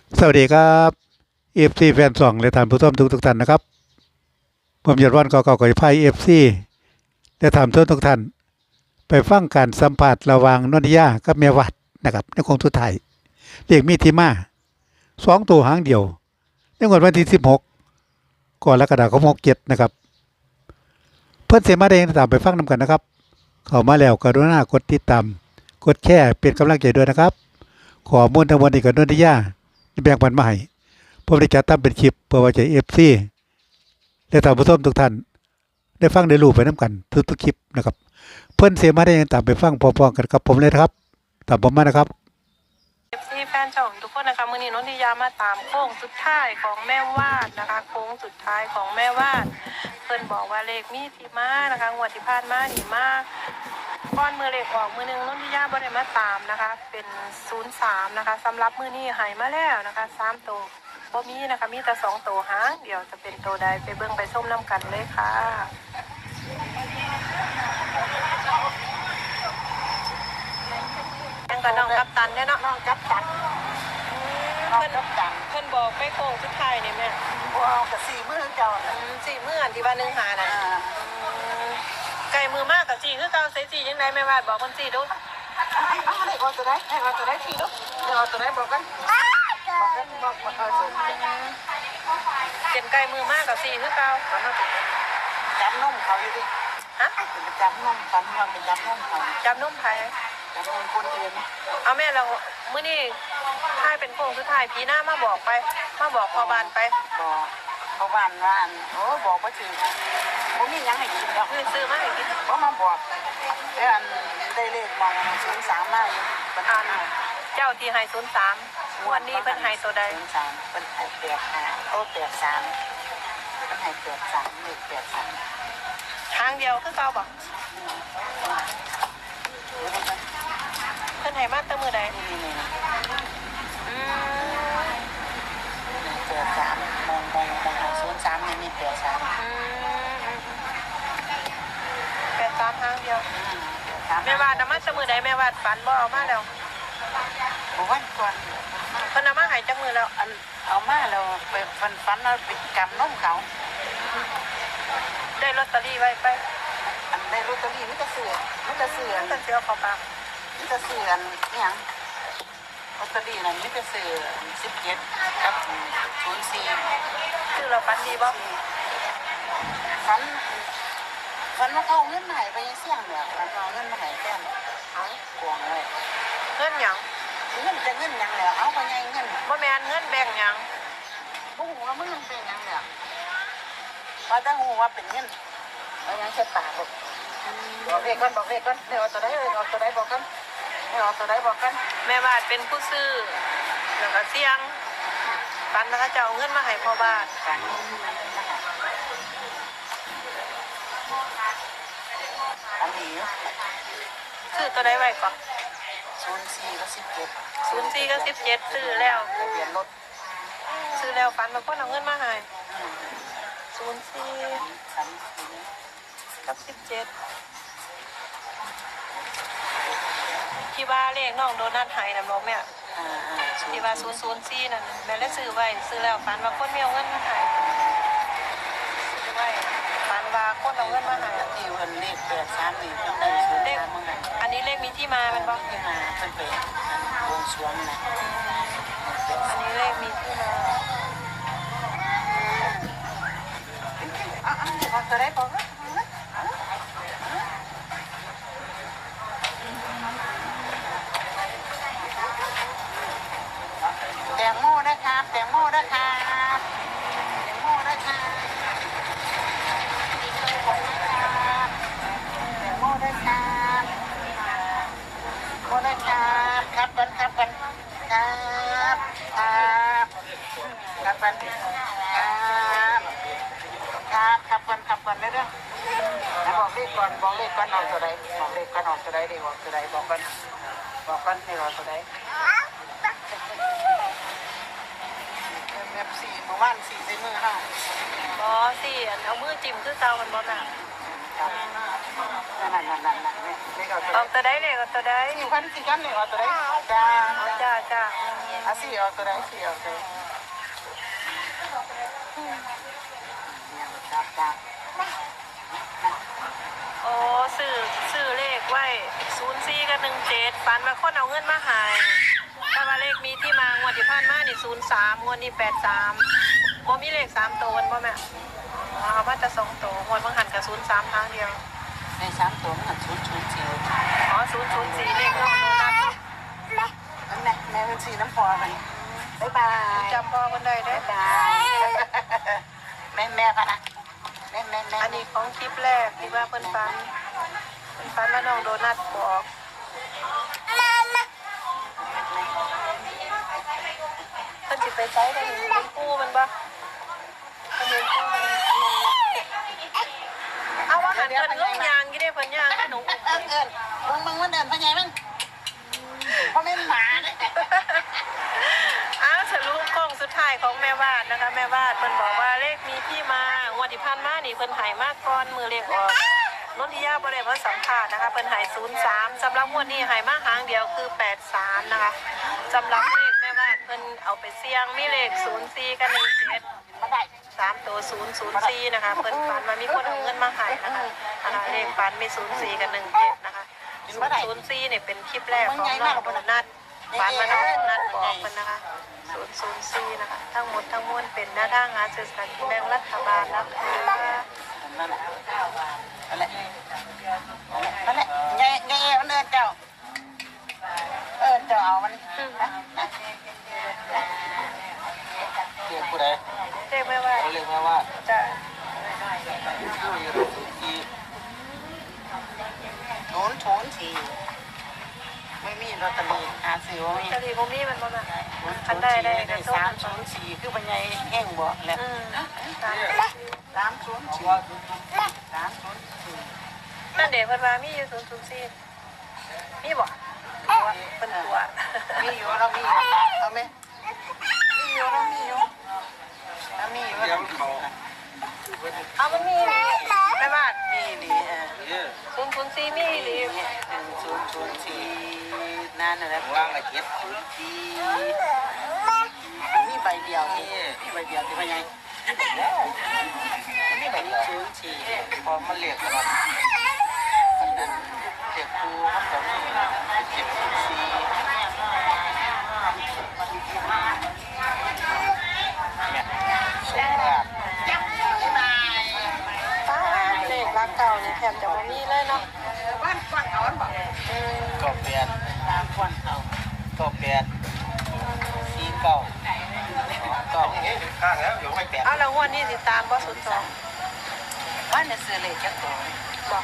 สวัสดีครับเอฟซีแฟนสองและท่านผู้ชมทุกท่านนะครับผมยศวันก่อไพ่เอฟซีและท่านผู้ชมทุกท่านไปฟังการสัมผัสระหว่างนนทิยากับแม่วัดนะครับในโค้งสุดท้ายเรียกมีที่มา2 ตัวหางเดียวในงวดวันที่16กรกฎาคม67นะครับเพื่อนเสมาได้ตามไปฟังนำกันนะครับเข้ามาแล้วกรุณากดติดตามกดแชร์เป็นกำลังใจด้วยนะครับขอมูลทั้งหมดนี้กับนนทิยาแบ่งปันมาให้ผมได้จัดทำเป็นคลิปเพื่อไว้ใจเอฟซีและท่านผู้ชมทุกท่านได้ฟังได้รู้ไปน้ำกันทุกคลิปนะครับเพื่อนเสมาได้ยังตามไปฟังพร้อมๆกันกับผมเลยนะครับตามผมมานะครับ FC แฟนช่องทุกคนนะคะมื้อนี้นนทิยามาตามโค้งสุดท้ายของแม่วาดนะคะโค้งสุดท้ายของแม่วาดเพิ่นบอกว่าเลขมีที่มานะคะงวดที่ผ่านมานี่มากก้อนมือเลขออกมือนึงนนทิยาบ่ได้มาตามนะคะเป็น03นะคะสำหรับมื้อนี้ให้มาแล้วนะคะ3ตัวบ่มีนะคะมีแต่2ตัวหางเดี๋ยวจะเป็นตัวใดไปเบิ่งไปชมนํกันเลยค่ะยังกับน้องกัปตันเนี่ยเนาะน้องกัปตันเพิ่นบอกไปโค้งสุดท้ายนี่แม่ว้าวกับ4 มื้อเจ้า 4 มื้ออันที่ว่า1 5น่ะไก่มือมากกับ4คือเก่าใส่4จังได๋แม่วาดบอกเพิ่น4ดูให้เอาตัวได้ทีลูกเอาตัวได้บอกกันบอกเป็นไก่มือมากกับ4คือเก่าจับนมเขาอยู่ดิฮะจับนมกันว่าเป็นจับนมเขาจับนมไผจับนมคนอื่นเอาแม่เรามื้อนี้ท้ายเป็นโค้งสุดท้ายพี่หน้ามาบอกไปมาบอกพ่อบ้านไปบอกเขาบ้านว่าโอ้บอกว่าถึงบ่มีหยังให้กินแล้วคือซื้อมาให้กินบ่มาบอกแล้วอันได้เลขมอง03มาอยู่เพิ่นเจ้าที่ให้03วันนี้เพิ่นให้ตัวใด 03เพิ่นให้85โอ้83เพิ่นให้83เลข83 ทางเดียวคือเก่าบ่เพิ่นให้มาแต่มื้อใดนี่83มอง03นี่มี83 83ทางเดียวแม่วาดมาแต่มื้อใดแม่วาดฝันบ่เอามาแล้ววันก่อนเพิ่นเอามาให้จักมื้อแล้วอันเอามาแล้วไปฟันเอาไปกำนมเขาได้ลอตเตอรี่ไว้ไปอันได้ลอตเตอรี่มันจะเสือมันจะเสือเข้าปากมันจะเสืออันนี่หยังลอตเตอรี่นั่นมันจะเสือ17กับ04 ชื่อเราฝันดีบ่ฟันว่าเขาเงินมาให้ไปเสี่ยงเนี่ยเอาเงินมาให้แฟนเอากวงเลยเงินหยังเงินจะเงินหยังแล้วเอาไปไงเงินบ่แม่นเงินแบ่งหยังบ่ฮู้ว่ามันเป็นหยังแล้วว่าแต่ฮู้ว่าเป็นเงินเอาหยังใส่ปากบอกเลขก่อนเดี๋ยวเอาตัวใดบอกกันแม่วาดเป็นผู้ซื้อแล้วก็เสี่ยงฝันนะคะจะเอาเงินมาให้พ่อบ้านอันนี้ซื้อตัวใดไว้ก่อน 04กับ 04กับ17ซื้อแล้วทะเบียนรถซื้อแล้วฝันว่าคนเอาเงินมาให้04กับ17ที่ว่าเลขน้องโดนัทให้นำบ่แม่ที่ว่า004นั่นแม่เลยซื้อไว้ซื้อแล้วฝันว่าคนมีเอาเงินมาให้ซื้อไว้ฝันว่าคนเอาเงินมาให้ที่เพิ่นเลข83นี่เพิ่นได้ซื้อเลขอันนี้เลขมีที่มามันบ่ที่มาเพิ่นไปวงสรวงนะอันนี้เลขมีที่มาเอาตัวได้บอกแตงโมนะครับแตงโมนะครับครับกันครับไปเรื่อยๆแล้วบอกเลขก่อนเอาตัวใดบอกเลขก่อนออกตัวใดดีบอกตัวใดบอกกันให้เราตัวใดแบบ4เมื่อวาน4ใส่มือเฮาบ่สิเอามือจิ้มคือเก่ามันบ่น่ะนั่นเลออกตัวได้เลยก็ตัวได้อยู่พันสี่กันเลยเอาตัวได้จ้าจ้าอาสี่เอาตัวได้สี่เอาตัวจ้าโอ้ซื้อเลขไว้04กับ17ฝันว่าคนเอาเงินมาให้ถ้าว่าเลขมีที่มางวดที่ผ่านมานี่03งวดนี้83บ่มีเลข3ตัวบ่แม่เอาว่าจะ2ตัวงวดบางหันกับ03ทางเดียวในสามตัวมันชุดสี่อ๋อ004เลขน้องโดนัทนั่นแหละแม่เป็นสีน้ำพอกันบ๊ายบายจำพ่อคนใดได้บ๊ายบายแม่พะนะแม่อันนี้ของคลิปแรกที่ว่าเพิ่นฟันว่าน้องโดนัทบอกเพิ่นสิไปใช้ได้เป็นกู้มันบ่เพิ่นเป็นกู้มันเอาว่าหันเพิ่นลงยางกี่ได้เพิ่นยางให้หนูมึงมันเดินไปไงมึงเพราะไม่หมาเนี่ยอ้าวสรุปโค้งสุดท้ายของแม่วาดนะคะแม่วาดเพิ่นบอกว่าเลขมีที่มางวดที่ผ่านมานี่เพิ่นใหายมากก่อนมือเลขออกนนทิยาบ่ได้มาสัมภาษณ์นะคะเพิ่นใหาย03สำหรับงวดนี้ใหายมาหางเดียวคือ83นะคะสำหรับเลขแม่วาดเพิ่นเอาไปเสี่ยงมีเลข04กับ17 มาได้ 3ตัว004นะคะเพิ่นฝันว่ามีคนเอาเงินมาให้นะคะเลขฝันมี04กับ17นะคะ004เนี่ยเป็นคลิปแรกของน้องโดนัทฝันมาน้องโดนัทบอกเพิ่นนะคะ004นะคะทั้งหมดทั้งมวลเป็นหน้าทางหาซื้อสลากกินแบ่งรัฐบาลนะคะนั่นแหละนั่นแหละนั่นแหละไงมันเดินเจ้าเอามันเรียกผู้ใดเรียกไม่ว่าเรียกมาว่าจะโถนทีไม่มีลอตเตอรี่หาซื้อว่ามีจะดีบ่มีมันบ่มาคันได้ก็โทษมันบ่ 304คือเป็นไงแห้งบ่แหละ 304 นั่นเดี๋ยวเพิ่นว่ามีอยู่004มีบ่เพิ่นตัวมีอยู่เรามีอยู่เอาไหมมีอยู่เรามีอยู่เอามันมีแม่บ้านมีดี 004มีดี 10004นั่นน่ะว่างละ704มีใบเดียวนี่มีใบเดียวที่ว่าไงมีใบนี้04พอมันเรียกกันอันนั้นเรียกครูครับป้าเลขรักเก่านี่แทบจะบ่มีเลยเนาะบ้านฟันเขาบอกก็เปลี่ยนตามฟันเขาก็เปลี่ยนสีเก่าก็ข้างแล้วอยู่ไม่เปลี่ยนเอาแล้วงวดนี้สิตามบ่02 บ้านเนี่ยซื้อเลขจักตัวบอก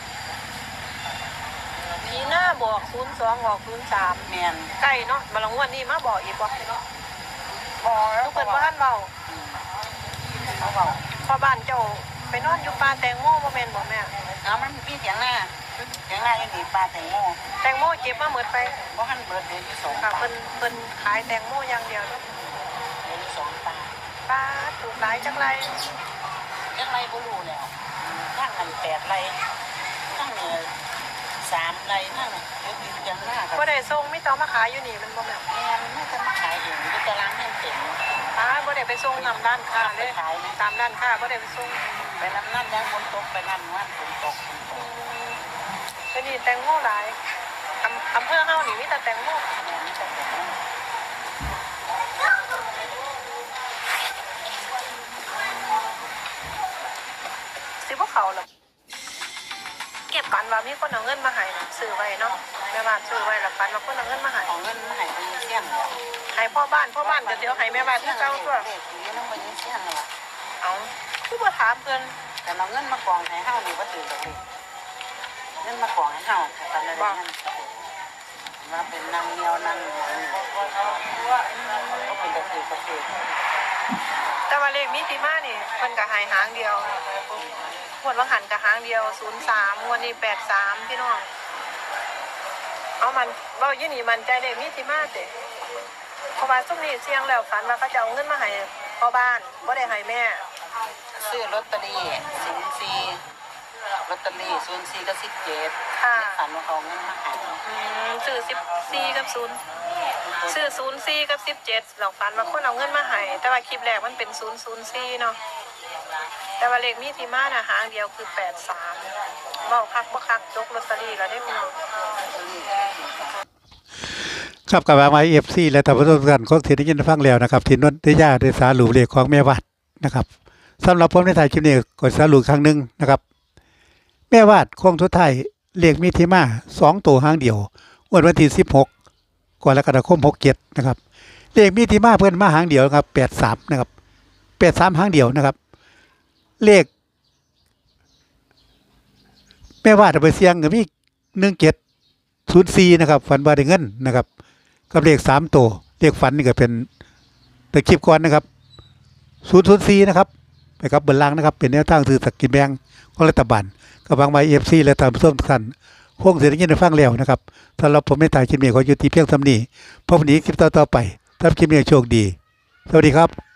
มีหน้าบอก02บอก03 เมียนใกล้เนาะมาลงงวดนี้มาบอกอีกบ่เนาะพอแล้วทุกเพิ่นบ่ทันเว้าเขาบอกพอบ้านเจ้าไปนอนอยู่ป่าแตงโมบ่แม่นบ่แม่เอามันมีเสียงหน้ายังดีปลาแตงโมแตงโมเก็บมาหมดไปเพราะหันเบิร์ดเดย์ที่สองค่ะเพิ่นขายแตงโมอย่างเดียวเนาะเดย์ที่สองปลาป้าถูกหลายจังไรยังไรบ่รู้แล้วทั้งอัน8ไรทั้ง3ไรทั้งเดี๋ยวยังหน้ากับบ่ได้ส่งมีแต่เอามาขายอยู่นี่มันบ่แม่นแม่ไม่จะมาขายเองดูตารางให้เต็มป้าบ่ได้ไปส่งนำร้านค้าเลยตามร้านค้าบ่ได้ไปส่งไปน้ำนั่นยังฝนตกไปนั่นวันฝนตกก็นี่แตงโมหลายอำเภอเฮานี่มีแต่แตงโมสิบ่เข้าหรอกเก็บปันว่ามีคนเอาเงินมาให้นะซื้อไว้เนาะแม่บ้านซื้อไว้แล้วปันว่าคนเอาเงินมาให้เอาเงินมาให้ไปเสี่ยงเลยให้พ่อบ้านก็เดี๋ยวให้แม่บ้านที่เจ้าตัวเด็กนี้น้องไปเสี่ยงเลยเอาคือบ่ถามเพิ่นแต่เอาเงินมากองให้เฮานี่ว่าถือกับเลยเงินมากองให้เฮาตอนนั้นมาเป็นนางเงียวนางก็เป็นตะคือตะคือแต่ว่าเลขมีที่มานี่เพิ่นก็ให้หางเดียวงวดว่าหันก็หางเดียว03งวดนี้83พี่น้องเอามันเว้าอยู่นี่มันใจเลขมีที่มาเด้เพราะว่าซุมนี้เสี่ยงแล้วฝันว่าเขาจะเอาเงินมาให้พ่อบ้านบ่ได้ให้แม่ซื้อลอตเตอรี่04 ลอตเตอรี่04กับ17 ค่ะฝันว่าเขาเงินมาให้ซื้อ14กับ0ซื้อ04กับ17เราฝันว่าคนเอาเงินมาให้แต่ว่าคลิปแรกมันเป็น004เนาะแต่ว่าเลขมีที่มาน่ะหางเดียวคือ83เว้าคักบ่คักยกลอตเตอรี่แล้วได้พี่น้องครับกับมาเอฟซีและท่านผู้ชมทุกท่านคงสิได้ยินได้ฟังแล้วนะครับที่นนทิยาได้สารุปเลขของแม่วาดนะครับสำหรับผมในถ่ายคลิปนี้ก็สรุปครั้งหนึงนะครับแม่วาดโค้งสุดท้ายเลขมีที่มา2ตัวหางเดียววันที่16กรกฎาคม67นะครับเลขมีที่มาเพิ่นมาหางเดียวครับ83นะครับ83หางเดียวนะครับเลขแม่วาดเอาไปเสี่ยงก็มี1704นะครับฝันว่าได้เงินนะครับกับเลข3ตัวเลขฝันนี่ก็เป็นแต่คลิปก่อนนะครับ004นะครับไปครับเบนล่างนะครับเป็นแนวทางซื้อสกินแบงของรัฐบาลกับบางใบFC และตามผู้ชมทุกท่านคงเสียงยินได้ฟังแล้วนะครับสำหรับผมไม่ถ่ายคลิปนี้ขอยุติเพียงเท่านี้พบกันอีกคลิปต่อๆไปถ้าคลิปนี้โชคดีสวัสดีครับ